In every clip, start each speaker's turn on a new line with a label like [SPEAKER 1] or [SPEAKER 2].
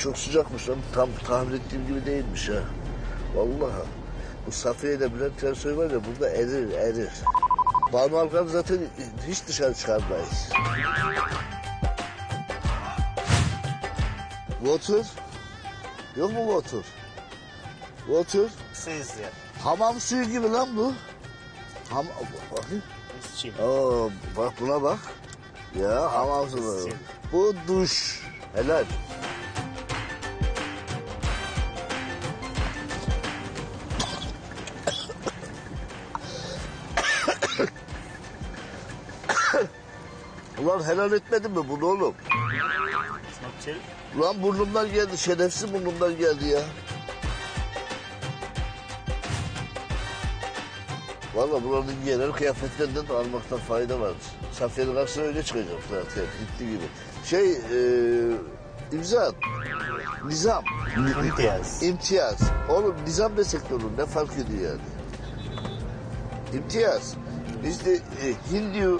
[SPEAKER 1] çok sıcakmış lan. Tam tahmin ettiğim gibi değilmiş ha. Vallahi. Bu Safiye ile Bülent Ersoy var ya burada erir. Banu Alkan zaten hiç dışarı çıkarmayız. Water. Yok mu water? Water.
[SPEAKER 2] Suyu.
[SPEAKER 1] Hamam suyu gibi lan bu. Bakayım. Oo, bak buna bak. Ya hamam suyu. Bu duş. Helal. Ulan helal etmedin mi bunu oğlum? Ulan burnumdan geldi, şerefsiz burnumdan geldi ya. Vallahi buranın genel kıyafetlerinden de almaktan fayda var. Safiye'nin karşısına öyle çıkacak zaten, gitti gibi. İmza, nizam. İmtiyaz. Oğlum nizam desek de olur, ne fark ediyor yani? İmtiyaz. Bizde Hindu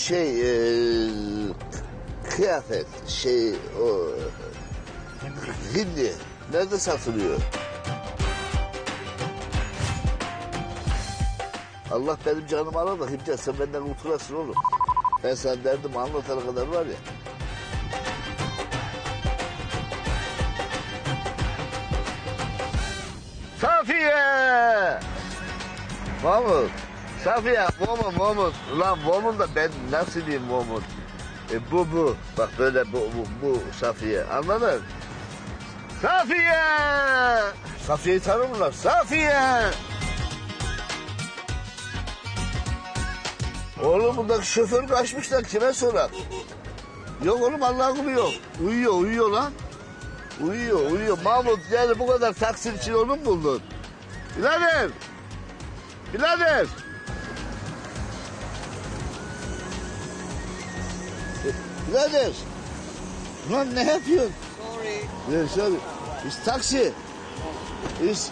[SPEAKER 1] kıyafet, Hindi. Nerede satılıyor? Allah benim canımı alır da Himcan sen benden kurtulasın oğlum. Ben sana derdimi anlatana kadar var ya. Safiye! Mahmut. Safiye, Momut. Ulan Momut da ben nasıl diyeyim Momut? Bu. Bak böyle bu Safiye. Anladın? Safiye! Safiye'yi tanır mılar? Safiye! Oğlum buradaki şoför kaçmışlar kime sorar? Yok oğlum Allah'ın kulu yok. Uyuyor lan. Uyuyor. Mahmut yani bu kadar taksi için onu mu buldun? Birader! Birader! Lan ne yapıyorsun? Sorry. It's taxi. It's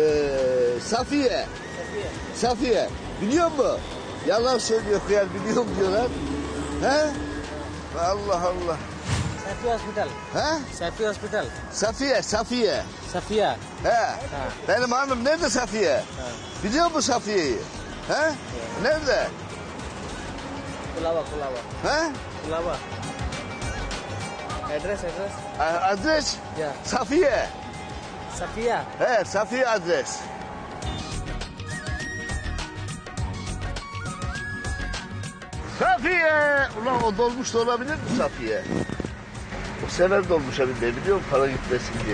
[SPEAKER 1] Safiye. Biliyor musun? Yalan söylüyor kıyar biliyorum diyorlar. He? Allah.
[SPEAKER 3] Safiye Hospital.
[SPEAKER 1] He?
[SPEAKER 3] Safiye Hospital.
[SPEAKER 1] Safiye. He. Benim hanım nerede Safiye? Biliyor musun Safiye'yi? He? Nerede?
[SPEAKER 3] Kulava.
[SPEAKER 1] He?
[SPEAKER 3] Kulava. Address.
[SPEAKER 1] Adres?
[SPEAKER 3] Ya.
[SPEAKER 1] Safiye. He, Safiye adres. Safiye! Ulan o dolmuş da olabilir mi Safiye? O sever dolmuşa binmeyi biliyor musun? Para gitmesin diye.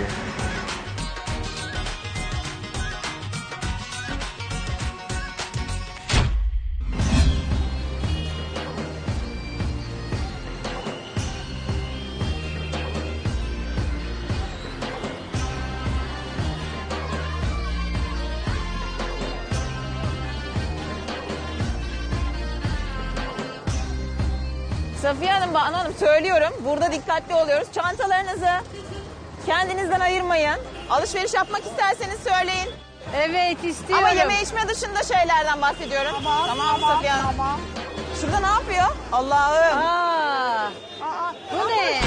[SPEAKER 4] Safiye Hanım, Banu Hanım söylüyorum. Burada dikkatli oluyoruz. Çantalarınızı kendinizden ayırmayın. Alışveriş yapmak isterseniz söyleyin.
[SPEAKER 5] Evet istiyorum.
[SPEAKER 4] Ama yeme içme dışında şeylerden bahsediyorum. Tamam Safiye Hanım.
[SPEAKER 5] Tamam.
[SPEAKER 4] Şurada ne yapıyor? Allah'ım.
[SPEAKER 5] Bu ne?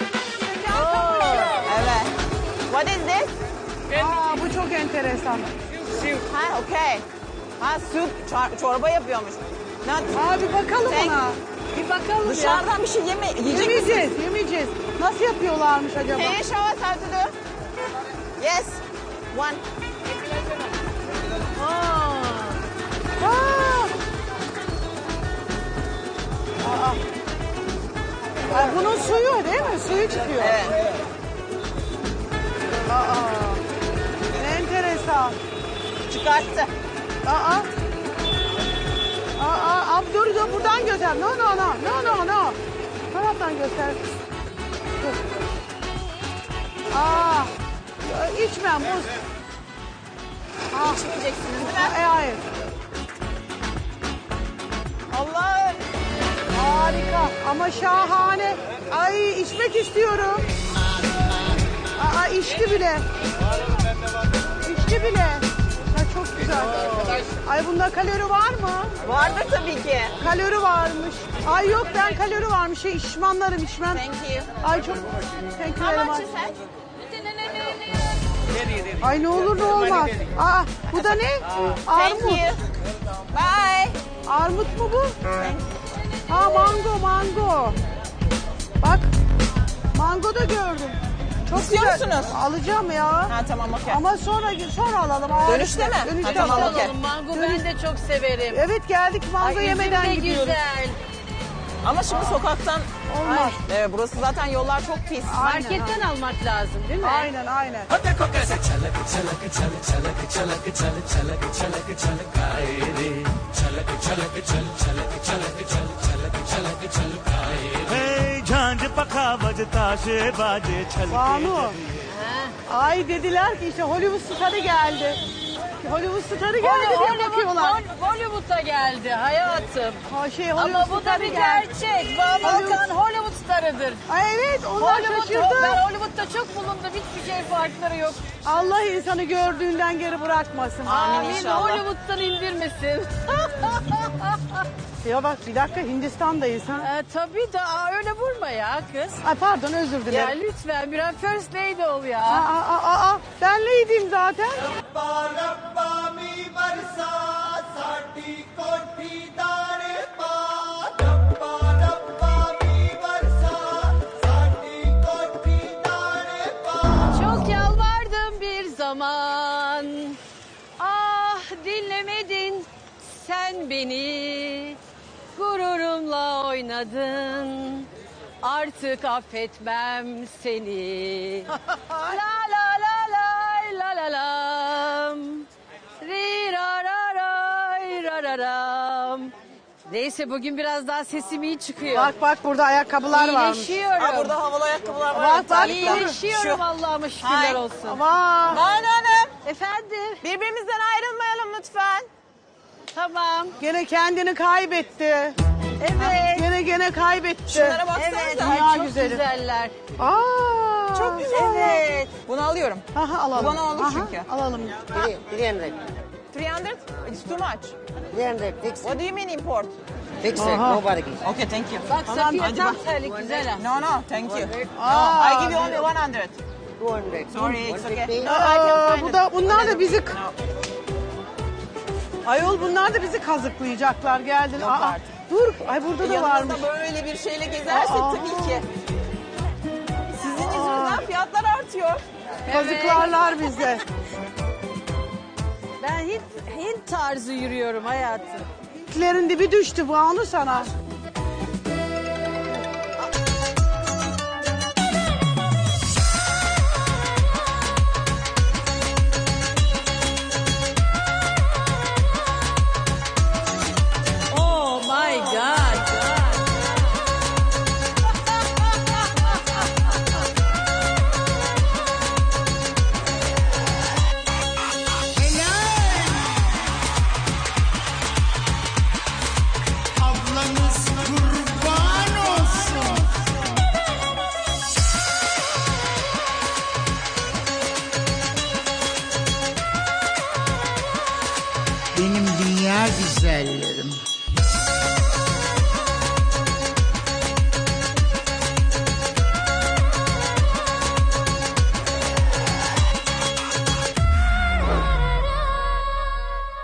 [SPEAKER 4] Evet. What is this?
[SPEAKER 5] Bu çok enteresan.
[SPEAKER 4] Ha, okay. Ha, süt, çorba yapıyormuş.
[SPEAKER 5] Bir bakalım
[SPEAKER 4] Thank-
[SPEAKER 5] ona. Bir bakalım
[SPEAKER 4] Dışarıdan bir şey yiyecek misiniz?
[SPEAKER 5] Yemeyeceğiz. Nasıl yapıyorlarmış acaba?
[SPEAKER 4] Can you show us how to do? Yes. One.
[SPEAKER 5] Bunun suyu değil mi? Suyu çıkıyor.
[SPEAKER 4] Evet.
[SPEAKER 5] Ne enteresan.
[SPEAKER 4] Çıkarttı.
[SPEAKER 5] Abi dur buradan göster. No. Taraftan göster. Dur. İçmem muz.
[SPEAKER 4] İçmeyeceksiniz değil mi?
[SPEAKER 5] Hayır.
[SPEAKER 4] Allah'ım.
[SPEAKER 5] Harika ama şahane. Ay içmek istiyorum. İçti bile. Çok güzel. Ay bunda kalori var mı?
[SPEAKER 4] Vardır tabii ki.
[SPEAKER 5] Kalori varmış. Ay yok ben kalori varmış. İçmem.
[SPEAKER 4] Thank you.
[SPEAKER 5] Ay çok. Thank you very
[SPEAKER 4] How much
[SPEAKER 5] much.
[SPEAKER 4] is that?
[SPEAKER 5] Ay ne olur ne olmaz. Aa, bu da ne?
[SPEAKER 4] Thank
[SPEAKER 5] Armut.
[SPEAKER 4] you. Bye.
[SPEAKER 5] Armut mu bu? Ha mango. Bak. Mango da gördüm. Çok
[SPEAKER 4] İstiyor
[SPEAKER 5] güzel.
[SPEAKER 4] musunuz?
[SPEAKER 5] Alacağım ya.
[SPEAKER 4] Ha tamam okey.
[SPEAKER 5] Ama sonra alalım. Aa,
[SPEAKER 4] Dönüşte mi?
[SPEAKER 5] Dönüşte
[SPEAKER 4] Ha, tamam,
[SPEAKER 5] alalım.
[SPEAKER 4] okey.
[SPEAKER 2] Mango ben de çok severim.
[SPEAKER 5] Evet geldik mango
[SPEAKER 2] Ay,
[SPEAKER 5] yemeden
[SPEAKER 2] üzüm de
[SPEAKER 5] gidiyoruz.
[SPEAKER 2] güzel.
[SPEAKER 4] Ama şimdi sokaktan
[SPEAKER 5] Olmaz.
[SPEAKER 4] Evet, burası zaten yollar çok pis.
[SPEAKER 2] Marketten almak lazım değil mi?
[SPEAKER 5] Aynen.
[SPEAKER 6] झांझ पखा बजता से बाजे छलके
[SPEAKER 5] Banu. Ay dediler ki işte Hollywood starı geldi. Hollywood starı geldi diye bakıyorlar.
[SPEAKER 2] Hollywood'a geldi hayatım.
[SPEAKER 5] Ha, Hollywood
[SPEAKER 2] Ama bu da
[SPEAKER 5] starı
[SPEAKER 2] bir
[SPEAKER 5] geldi.
[SPEAKER 2] gerçek. Banu Alkan Hollywood starıdır.
[SPEAKER 5] Ay evet onlar şaşırdı.
[SPEAKER 2] Ben Hollywood'da çok bulundum. Hiçbir şey farkları yok.
[SPEAKER 5] Allah insanı gördüğünden geri bırakmasın.
[SPEAKER 4] Amin inşallah.
[SPEAKER 2] Hollywood'dan indirmesin.
[SPEAKER 5] Ya bak bir dakika Hindistan'dayız ha.
[SPEAKER 2] Tabii da öyle vurma ya kız.
[SPEAKER 5] Ay pardon özür
[SPEAKER 2] Ya
[SPEAKER 5] dilerim.
[SPEAKER 2] lütfen biraz first lady ol ya.
[SPEAKER 5] Ben neydim zaten?
[SPEAKER 2] Çok yalvardım bir zaman. Ah dinlemedin sen beni. Gururumla oynadın. Artık affetmem seni. La la la la la la lam. Ri ra ra ray ra ra ram. Neyse bugün biraz daha sesim iyi çıkıyor.
[SPEAKER 5] Bak burada ayakkabılar varmış.
[SPEAKER 2] İyileşiyorum.
[SPEAKER 4] Ha, burada havalı ayakkabılar var.
[SPEAKER 5] Bak, bak.
[SPEAKER 2] İyileşiyorum Allah'ıma şükürler
[SPEAKER 4] Hay.
[SPEAKER 2] olsun.
[SPEAKER 5] Vay.
[SPEAKER 4] Banu Hanım,
[SPEAKER 2] Efendim?
[SPEAKER 4] birbirimizden ayrılmayalım lütfen.
[SPEAKER 2] Tamam.
[SPEAKER 5] Gene kendini kaybetti.
[SPEAKER 2] Evet.
[SPEAKER 5] Gene kaybetti.
[SPEAKER 4] Şunlara baksanıza.
[SPEAKER 2] Evet.
[SPEAKER 5] Dünya
[SPEAKER 2] Ay, çok
[SPEAKER 5] güzeli.
[SPEAKER 2] güzeller.
[SPEAKER 5] Aa.
[SPEAKER 4] Çok güzel.
[SPEAKER 2] Evet.
[SPEAKER 4] Bunu alıyorum.
[SPEAKER 5] Aha, alalım.
[SPEAKER 4] Bu bana olur
[SPEAKER 5] Aha,
[SPEAKER 4] çünkü.
[SPEAKER 5] Alalım.
[SPEAKER 7] 300.
[SPEAKER 4] 300? It's too much.
[SPEAKER 7] 300. Fix
[SPEAKER 4] What do you mean import?
[SPEAKER 7] Fix it.
[SPEAKER 5] Aha.
[SPEAKER 7] No bargain.
[SPEAKER 4] Okay, thank you.
[SPEAKER 2] Bak Safiye
[SPEAKER 4] hadi
[SPEAKER 2] tam
[SPEAKER 4] bak.
[SPEAKER 2] terlik güzel ha.
[SPEAKER 4] No, no, thank you.
[SPEAKER 5] Aa,
[SPEAKER 4] I give you only 100.
[SPEAKER 7] 200.
[SPEAKER 4] Sorry, it's okay.
[SPEAKER 7] 150.
[SPEAKER 4] No, I can find it.
[SPEAKER 5] Bunlar da bizi...
[SPEAKER 4] No.
[SPEAKER 5] Ayol bunlar da bizi kazıklayacaklar geldiler.
[SPEAKER 4] Yok artık.
[SPEAKER 5] Dur. Ay burada da varmış.
[SPEAKER 4] Yanınızda böyle bir şeyle gezersek
[SPEAKER 5] Aa.
[SPEAKER 4] tabii ki. Sizin yüzünüzden fiyatlar artıyor.
[SPEAKER 5] Kazıklarlar bizi.
[SPEAKER 2] Ben Hint tarzı yürüyorum hayatım.
[SPEAKER 5] Hintlerin dibi düştü Banu sana.
[SPEAKER 2] Oh my God.
[SPEAKER 8] Ablanız kurban olsun. Benim dünya güzellerim.